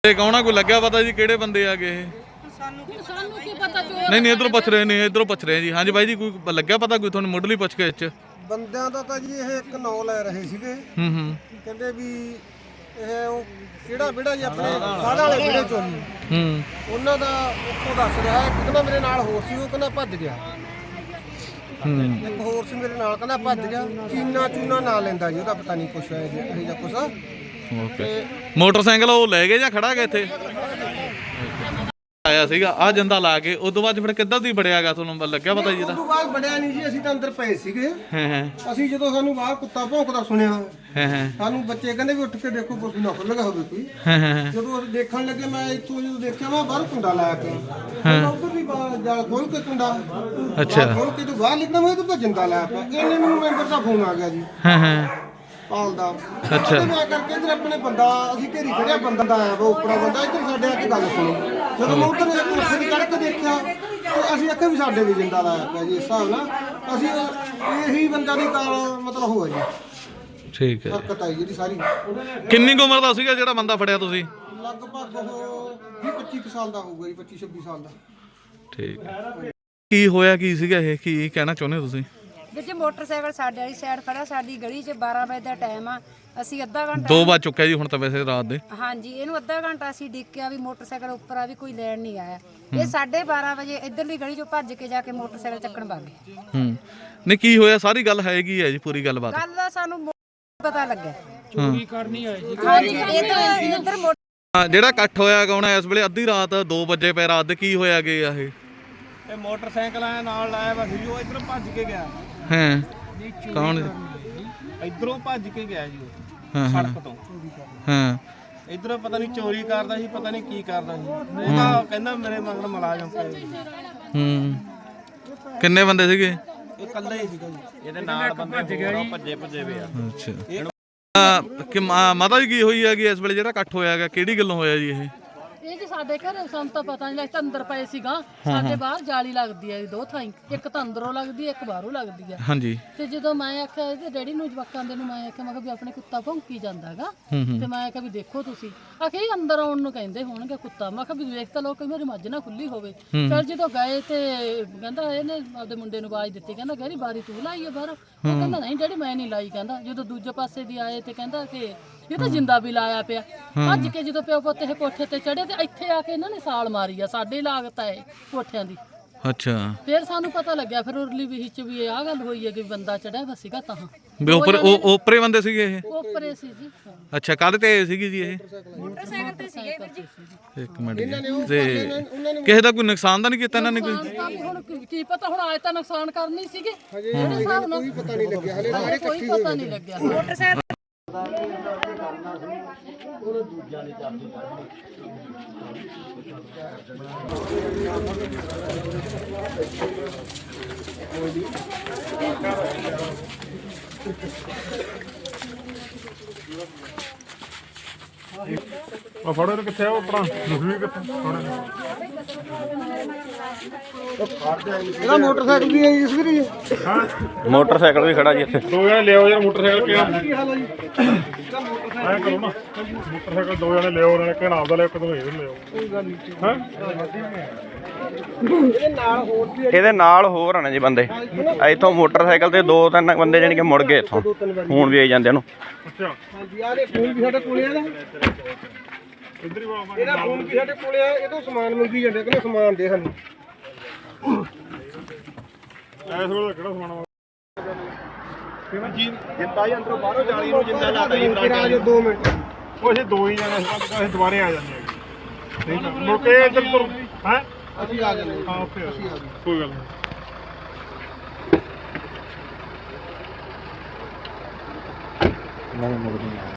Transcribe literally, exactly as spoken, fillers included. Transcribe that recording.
ਕੌਣਾ ਕੋਈ ਲੱਗਿਆ ਪਤਾ ਜੀ ਕਿਹੜੇ ਬੰਦੇ ਆ ਗਏ ਇਹ? ਸਾਨੂੰ ਕੀ ਪਤਾ ਚੋਰ ਨਹੀਂ ਨਹੀਂ ਇਧਰੋਂ ਪੁੱਛ ਰਹੇ ਨੇ ਇਧਰੋਂ ਪੁੱਛ ਰਹੇ ਜੀ। ਹਾਂਜੀ ਬਾਈ ਜੀ ਕੋਈ ਲੱਗਿਆ ਪਤਾ ਕੋਈ ਤੁਹਾਨੂੰ ਮੁੱਢਲੀ ਪੁੱਛ ਕੇ ਚ ਬੰਦਿਆਂ ਦਾ ਤਾਂ ਜੀ ਇਹ ਇੱਕ ਨਾਂ ਲੈ ਰਹੇ ਸੀਗੇ। ਹੂੰ ਹੂੰ ਕਹਿੰਦੇ ਵੀ ਇਹ ਉਹ ਕਿਹੜਾ ਵਿਹੜਾ ਜੀ ਆਪਣੇ ਕਾਹਦਾ ਵਾਲੇ ਵਿਹੜੇ ਚੋਂ ਜੀ ਹੂੰ ਉਹਨਾਂ ਦਾ ਉੱਥੋਂ ਦੱਸ ਰਿਹਾ ਇੱਕ ਕਹਿੰਦਾ ਮੇਰੇ ਨਾਲ ਹੋਰ ਸੀ ਉਹ ਕਹਿੰਦਾ ਭੱਜ ਗਿਆ। ਹੂੰ ਇੱਕ ਹੋਰ ਸੀ ਮੇਰੇ ਨਾਲ ਕਹਿੰਦਾ ਭੱਜ ਗਿਆ। ਚੀਨਾ ਚੂਨਾ ਨਾਂ ਲੈਂਦਾ ਜੀ ਉਹਦਾ ਪਤਾ ਨਹੀਂ ਕੁਛ ਹੈ ਜੀ ਇਹ ਜਾਂ ਕੁਛ। ਓਕੇ ਮੋਟਰਸਾਈਕਲ ਉਹ ਲੈ ਗਏ ਜਾਂ ਖੜਾ ਗਿਆ ਇੱਥੇ ਆਇਆ ਸੀਗਾ ਆ ਜਿੰਦਾ ਲਾ ਕੇ ਉਸ ਤੋਂ ਬਾਅਦ ਫਿਰ ਕਿੱਦਾਂ ਦੀ ਬੜਿਆਗਾ ਤੁਹਾਨੂੰ ਲੱਗਿਆ ਪਤਾ ਜੀ ਉਸ ਇਹਦਾ? ਤੋਂ ਬਾਅਦ ਬੜਿਆ ਨਹੀਂ ਜੀ ਅਸੀਂ ਤਾਂ ਅੰਦਰ ਪਏ ਸੀਗੇ। ਹਾਂ ਹਾਂ ਅਸੀਂ ਜਦੋਂ ਸਾਨੂੰ ਬਾਹਰ ਕੁੱਤਾ ਭੌਂਕਦਾ ਸੁਣਿਆ ਹਾਂ ਹਾਂ ਸਾਨੂੰ ਬੱਚੇ ਕਹਿੰਦੇ ਵੀ ਉੱਠ ਕੇ ਦੇਖੋ ਕੁਛ ਨਾ ਖੁੱਲ੍ਹਾ ਹੋਵੇ ਕੋਈ। ਹਾਂ ਹਾਂ ਜਦੋਂ ਅਸੀਂ ਦੇਖਣ ਲੱਗੇ ਮੈਂ ਇੱਥੋਂ ਜਦੋਂ ਦੇਖਿਆ ਮੈਂ ਬਾਹਰ ਕੁੰਡਾ ਲਾਇਆ ਪਿਆ ਉੱਧਰ ਵੀ ਜਾਲ ਖੋਲ ਕੇ ਕੁੰਡਾ ਅੱਛਾ ਖੋਲ ਕੇ ਤੋਂ ਬਾਹਰ ਨਿਕਲਦਾ ਮੈਂ ਤਾਂ ਜਿੰਦਾ ਲਾਇਆ ਪਿਆ। ਇਹਨੇ ਮੈਨੂੰ ਮੈਂਬਰ ਦਾ ਫੋਨ ਆ ਗਿਆ ਜੀ ਹਾਂ ਹਾਂ ਪਾਲ ਦਾ। ਅੱਛਾ ਮੈਂ ਕਰਕੇ ਇੱਧਰ ਆਪਣੇ ਬੰਦਾ ਅਸੀਂ ਘੇਰੀ ਖੜਿਆ ਬੰਦਾ ਦਾ ਆਇਆ ਵਾ ਉੱਪਰੋਂ ਬੰਦਾ ਇੱਧਰ ਸਾਡੇ ਆ ਕੇ ਗੱਲ ਸੁਣੋ। ਜਦੋਂ ਮੈਂ ਉੱਧਰ ਉੱਥੇ ਚੜ੍ਹ ਕੇ ਦੇਖਿਆ ਤੇ ਅਸੀਂ ਆਖਿਆ ਵੀ ਸਾਡੇ ਵੀ ਜਿੰਦਾ ਲਾਇਆ ਪਿਆ ਜੀ। ਇਸ ਹਿਸਾਬ ਨਾਲ ਅਸੀਂ ਇਹੀ ਬੰਦਾ ਦੀ ਕਾਰ ਮਤਲਬ ਹੋਇਆ ਜੀ ਠੀਕ ਹੈ ਹਰਕਤ ਆਈ ਜਿਹੜੀ ਸਾਰੀ। ਕਿੰਨੀ ਕੁ ਉਮਰ ਦਾ ਸੀਗਾ ਜਿਹੜਾ ਬੰਦਾ ਫੜਿਆ ਤੁਸੀਂ? ਲਗਭਗ ਉਹ ਵੀਹ ਪੱਚੀ ਕੁ ਸਾਲ ਦਾ ਹੋਊਗਾ ਜੀ ਪੱਚੀ ਛੱਬੀ ਸਾਲ ਦਾ। ਠੀਕ ਹੈ ਕੀ ਹੋਇਆ ਕੀ ਸੀਗਾ ਇਹ ਕੀ ਕਹਿਣਾ ਚਾਹੁੰਦੇ ਹੋ ਤੁਸੀਂ? ਵਿੱਚ ਮੋਟਰਸਾਈਕਲ ਸਾਡੇ ਵਾਲੀ ਸਾਈਡ ਖੜਾ ਸਾਡੀ ਗਲੀ 'ਚ ਬਾਰਾਂ ਵਜੇ ਦਾ ਟਾਈਮ ਆ। ਅਸੀਂ ਅੱਧਾ ਘੰਟਾ ਦੋ ਵੱਜ ਚੁੱਕਿਆ ਜੀ ਹੁਣ ਤਾਂ ਵੈਸੇ ਰਾਤ ਦੇ। ਹਾਂਜੀ ਇਹਨੂੰ ਅੱਧਾ ਘੰਟਾ ਅਸੀਂ ਡਿੱਕਿਆ ਵੀ ਮੋਟਰਸਾਈਕਲ ਉੱਪਰ ਆ ਵੀ ਕੋਈ ਲੈਣ ਨਹੀਂ ਆਇਆ। ਇਹ ਸਾਢੇ ਬਾਰਾਂ ਵਜੇ ਇੱਧਰਲੀ ਗਲੀ 'ਚੋਂ ਭੱਜ ਕੇ ਜਾ ਕੇ ਮੋਟਰਸਾਈਕਲ ਚੱਕਣ ਵਗ ਗਏ। ਹੂੰ ਨਹੀਂ ਕੀ ਹੋਇਆ ਸਾਰੀ ਗੱਲ ਹੈਗੀ ਹੈ ਜੀ ਪੂਰੀ ਗੱਲਬਾਤ? ਕੱਲ ਦਾ ਸਾਨੂੰ ਪਤਾ ਲੱਗਾ ਚੋਰੀ ਕਰਨੀ ਆਏ ਜੀ। ਹਾਂਜੀ ਇੱਧਰ ਇੱਧਰ ਮੋਟਰ ਜਿਹੜਾ ਇਕੱਠ ਹੋਇਆ ਕੌਣ ਇਸ ਵੇਲੇ ਅੱਧੀ ਰਾਤ ਦੋ ਵਜੇ ਪੈ ਰਾਤ ਦੇ ਕੀ ਹੋਇਆ ਗਏ ਆ ਇਹ? ਇਹ ਮੋਟਰਸਾਈਕਲ ਆਇਆ ਨਾਲ ਲਾਇਆ ਵਾ ਸੀ ਉਹ ਇੱਧਰ ਭੱਜ ਕੇ ਗਿਆ। ਹਾਂ ਕੌਣ? ਇੱਧਰੋਂ ਭੱਜ ਕੇ ਗਿਆ ਜੀ ਹਾਂ ਉਹ ਹਾਂ ਸੜਕ ਤੋਂ। ਹਾਂ ਇੱਧਰੋਂ ਪਤਾ ਨਹੀਂ ਚੋਰੀ ਕਰਦਾ ਸੀ ਪਤਾ ਨਹੀਂ ਕੀ ਕਰਦਾ ਸੀ। ਉਹ ਤਾਂ ਕਹਿੰਦਾ ਮੇਰੇ ਮਗਰ ਮੁਲਾਜ਼ਮ ਪਏ। ਹੂੰ ਕਿੰਨੇ ਬੰਦੇ ਸੀਗੇ? ਇਹ ਇਕੱਲਾ ਹੀ ਸੀਗਾ ਜੀ। ਇਹਦੇ ਨਾਲ ਬੰਦੇ ਹੋਰ ਭੱਜੇ ਭੱਜੇ ਵੇ ਆ। ਅੱਛਾ ਕਿ ਮਾਤਾ ਜੀ ਕੀ ਹੋਈ ਹੈਗੀ ਇਸ ਵੇਲੇ ਜਿਹੜਾ ਇਕੱਠ ਹੋਇਆ ਹੈਗਾ ਕਿਹੜੀ ਗੱਲੋਂ ਹੋਇਆ ਜੀ ਇਹ? ਇਹ ਜੀ ਸਾਡੇ ਘਰ ਸਾਨੂੰ ਤਾਂ ਪਤਾ ਨਹੀਂ ਲੱਗਦਾ ਅੰਦਰ ਪਏ ਸੀਗਾ। ਸਾਡੇ ਬਾਹਰ ਜਾਲੀ ਲੱਗਦੀ ਹੈ ਦੋ ਥਾਈਂ ਇੱਕ ਤਾਂ ਅੰਦਰੋਂ ਲੱਗਦੀ ਹੈ ਇੱਕ ਬਾਹਰੋਂ ਲੱਗਦੀ ਹੈ। ਹਾਂਜੀ ਤੇ ਜਦੋਂ ਮੈਂ ਆਖਿਆ ਇਹਦੇ ਡੈਡੀ ਨੂੰ ਜਵਾਕਾਂ ਦੇ ਨੂੰ ਮੈਂ ਆਖਿਆ ਮੈਂ ਕਿਹਾ ਵੀ ਆਪਣੇ ਕੁੱਤਾ ਭੌਂਕੀ ਜਾਂਦਾ ਹੈਗਾ ਤੇ ਮੈਂ ਆਖਿਆ ਵੀ ਦੇਖੋ ਤੁਸੀਂ ਆਖਿਆ ਇਹ ਅੰਦਰ ਆਉਣ ਨੂੰ ਕਹਿੰਦੇ ਹੋਣਗੇ ਕੁੱਤਾ। ਮੈਂ ਕਿਹਾ ਵੀ ਵੇਖ ਤਾਂ ਲੋ ਕਿ ਮੇਰੀ ਮੱਝ ਨਾ ਖੁੱਲੀ ਹੋਵੇ। ਚਲ ਜਦੋਂ ਗਏ ਤੇ ਕਹਿੰਦਾ ਇਹਨੇ ਆਪਦੇ ਮੁੰਡੇ ਨੂੰ ਆਵਾਜ਼ ਦਿੱਤੀ ਕਹਿੰਦਾ ਗਹਿਰੀ ਬਾਰੀ ਤੂੰ ਲਾਈ ਹੈ ਬਾਹਰ। ਉਹ ਕਹਿੰਦਾ ਨਹੀਂ ਡੈਡੀ ਮੈਂ ਨਹੀਂ ਲਾਈ। ਕਹਿੰਦਾ ਜਦੋਂ ਦੂਜੇ ਪਾਸੇ ਦੀ ਆਏ ਤੇ ਕਹਿੰਦਾ ਕਿ ਇਹ ਤਾਂ ਜਿੰਦਾ ਵੀ ਲਾਇਆ ਪਿਆ। ਭੱਜ ਕੇ ਜਦੋਂ ਪਿਓ ਪੁੱਤ ਇਹ ਕੋਠੇ ਤੇ ਚੜੇ ਤੇ ਇੱਥੇ ਆ ਕੇ ਇਹਨਾਂ ਨੇ ਸਾਲ ਮਾਰੀ ਆ ਸਾਡੇ ਲਾਗਤ ਹੈ ਕੋਠਿਆਂ ਦੀ। ਅੱਛਾ ਫਿਰ ਸਾਨੂੰ ਪਤਾ ਲੱਗਿਆ ਫਿਰ ਉਰਲੀ ਵੀ ਚ ਵੀ ਆਹ ਗੱਲ ਹੋਈ ਹੈ ਕਿ ਬੰਦਾ ਚੜਿਆ ਵਾ ਸੀਗਾ ਤਾਂ ਵੀ ਉੱਪਰ ਉਹ ਉੱਪਰੇ ਬੰਦੇ ਸੀਗੇ ਇਹ? ਉੱਪਰੇ ਸੀ ਜੀ। ਅੱਛਾ ਕਾਹਦੇ ਤੇ ਸੀਗੀ ਜੀ ਇਹ? ਮੋਟਰਸਾਈਕਲ ਤੇ ਸੀਗੇ ਵੀਰ ਜੀ। ਇੱਕ ਮਿੰਟ ਜੀ ਤੇ ਕਿਸੇ ਦਾ ਕੋਈ ਨੁਕਸਾਨ ਤਾਂ ਨਹੀਂ ਕੀਤਾ ਇਹਨਾਂ ਨੇ ਕੋਈ? ਨੁਕਸਾਨ ਤਾਂ ਹੁਣ ਕੀ- ਕੀ ਪਤਾ ਹੁਣ ਆਏ ਤਾਂ ਨੁਕਸਾਨ ਕਰਨੀ ਸੀਗੇ ਜਿਹੜੇ ਹਿਸਾਬ ਨਾਲ ਕੋਈ ਪਤਾ ਨਹੀਂ ਲੱਗਿਆ ਹਲੇ ਸਾਰੇ ਕੋਈ ਪਤਾ ਨਹੀਂ ਲੱਗਿਆ। ਮੋਟਰਸਾਈਕਲ ਆ ਫੜੋ ਇਹਨੂੰ ਕਿੱਥੇ ਆ ਉਹ ਆਪਣਾ ਮੁਖੀ ਕਿੱਥੇ ਫੜੋ ਇਹਦਾ ਮੋਟਰਸਾਈਕਲ ਵੀ ਹੈ ਇਸ ਵੀਰੇ। ਮੋਟਰਸਾਈਕਲ ਵੀ ਖੜਾ ਜੀ ਇੱਥੇ। ਦੋ ਜਣੇ ਲਿਆਓ ਯਾਰ ਮੋਟਰਸਾਈਕਲ ਕਿਹੜਾ ਕੀ ਹਾਲ ਹੈ ਜੀ? ਐ ਕਰੋ ਨਾ ਮੋਟਰਸਾਈਕਲ ਦੋ ਜਣੇ ਲਿਆਓ ਨਾਲੇ ਕਿਹੜਾ ਆਪਦਾ ਲਿਆਓ ਕਦੋਂ ਇਹਦੇ ਲਿਆਓ ਕੋਈ ਗੱਲ ਨਹੀਂ ਹਾਂ ਇਹਦੇ ਨਾਲ ਹੋਰ ਵੀ ਇਹਦੇ ਨਾਲ ਹੋਰ ਆਣੇ ਜੀ ਬੰਦੇ ਇੱਥੋਂ ਮੋਟਰਸਾਈਕਲ ਤੇ ਦੋ ਤਿੰਨ ਬੰਦੇ ਜਾਣੀ ਕਿ ਮੁੜ ਗਏ ਇੱਥੋਂ ਹੁਣ ਵੀ ਆਈ ਜਾਂਦੇ ਉਹਨੂੰ। ਅੱਛਾ ਹਾਂਜੀ ਆਹ ਦੇ ਫੋਨ ਵੀ ਸਾਡੇ ਕੋਲੇ ਆ ਨਾ। ਇੱਧਰ ਹੀ ਬਾਬਾ ਇਹਦਾ ਫੋਨ ਵੀ ਸਾਡੇ ਕੋਲੇ ਆ ਇਹ ਤੋਂ ਸਮਾਨ ਮੰਗੀ ਜਾਂਦੇ ਕਹਿੰਦੇ ਸਮਾਨ ਦੇ ਸਾਨੂੰ। ਐਸ ਵੇਲੇ ਕਿਹੜਾ ਸਮਾਨ ਕਿਵੇਂ ਜੀ ਜਿੰਦਾ ਹੀ ਅੰਦਰੋਂ ਬਾਹਰੋਂ ਜਾਲੀ ਨੂੰ ਜਿੰਦਾ ਲਾਤਾ ਜੀ ਰਾਜ ਦੋ ਮਿੰਟ। ਉਹ ਅਸੀਂ ਦੋ ਹੀ ਜਣੇ ਅਸੀਂ ਦੁਬਾਰੇ ਆ ਜਾਂਦੇ ਆ ਠੀਕ ਹੈ ਮੁੜ ਕੇ ਇੱਧਰ ਤੁਰ ਹੈ ਅਸੀਂ ਆ ਜਾਂਦੇ ਹਾਂ ਉੱਥੇ ਆ ਜਾਓ। ਕੋਈ ਗੱਲ ਨਹੀਂ